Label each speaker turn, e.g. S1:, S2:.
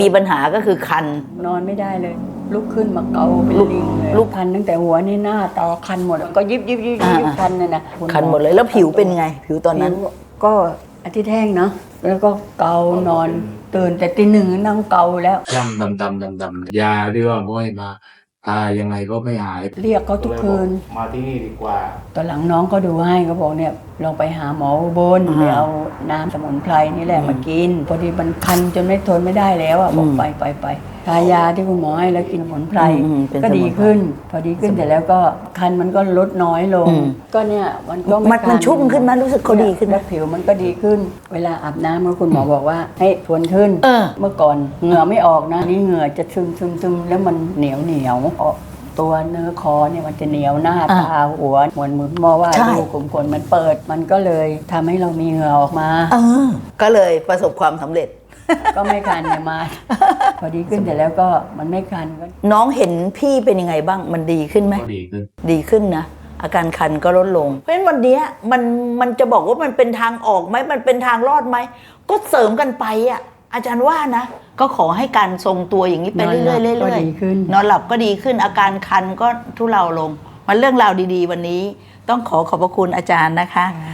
S1: มีปัญหาก็คือคัน
S2: นอนไม่ได้เลยลุกขึ้นมาเกาเป็นลิงเลยลุกคันตั้งแต่หัวนี่หน้าตาคันหมดก็ยิบคันเลยนะ
S1: คันหมดเลยแล้วผิวเป็นไงผิวตอนนั้น
S2: ก็อาทิตย์แห้งเนาะแล้วก็เกานอนตื่นแต่ตี 1นั่งเกาแล้ว
S3: ย่ำดำยาที่ว่าบ่อยมาตายยังไงก็ไม่หาย
S2: เรียกเขาทุกคืน
S3: มาที่นี่ดีกว่า
S2: ตอนหลังน้องก็ดูให้เขาบอกเนี่ยลองไปหาหมออุบลไปเอาน้ำสมุนไพรนี่แหละมากินพอดีมันคันจนไม่ทนไม่ได้แล้วอ่ะบอกไปทายาที่คุณหมอให้แล้วกินสมุนไพรก็ดีขึ้นพอดีขึ้นแต่แล้วก็คันมันก็ลดน้อยลงก็เนี่ยมันก็
S1: มันชุ่มขึ้นมั้ยรู้สึกเขาดีขึ้น
S2: แล้วผิวมันก็ดีขึ้นเวลาอาบน้ำคุณหมอบอกว่าให้ทวนขึ้นเมื่อก่อนเหงื่อไม่ออกนะนี่เหงื่อจะซึมแล้วมันเหนียวตัวเนื้อคอเนี่ยมันจะเหนียวหน้าตาหัวเหมือนมอว่าดูกลุ่มขนมันเปิดมันก็เลยทำให้เรามีเหงื่อออกมา
S1: ก็เลยประสบความสำเร็จ
S2: ก็ไม่คันเนี่ยมาพอดีขึ้นแต่แล้วก็มันไม่คันก็
S1: น้องเห็นพี่เป็นยังไงบ้างมันดีขึ้นไหมดีขึ้นนะอาการคันก็ลดลงเพราะฉะนั้นวันนี้มันจะบอกว่ามันเป็นทางออกไหมมันเป็นทางรอดไหมก็เสริมกันไปอ่ะอาจารย์ว่านะก็ขอให้การทรงตัวอย่างนี้ไปเรื่อยๆนอนหลับก็ดีขึ้นอาการคันก็ทุเลาลงมันเรื่องราวดีๆวันนี้ต้องขอบพระคุณอาจารย์นะคะ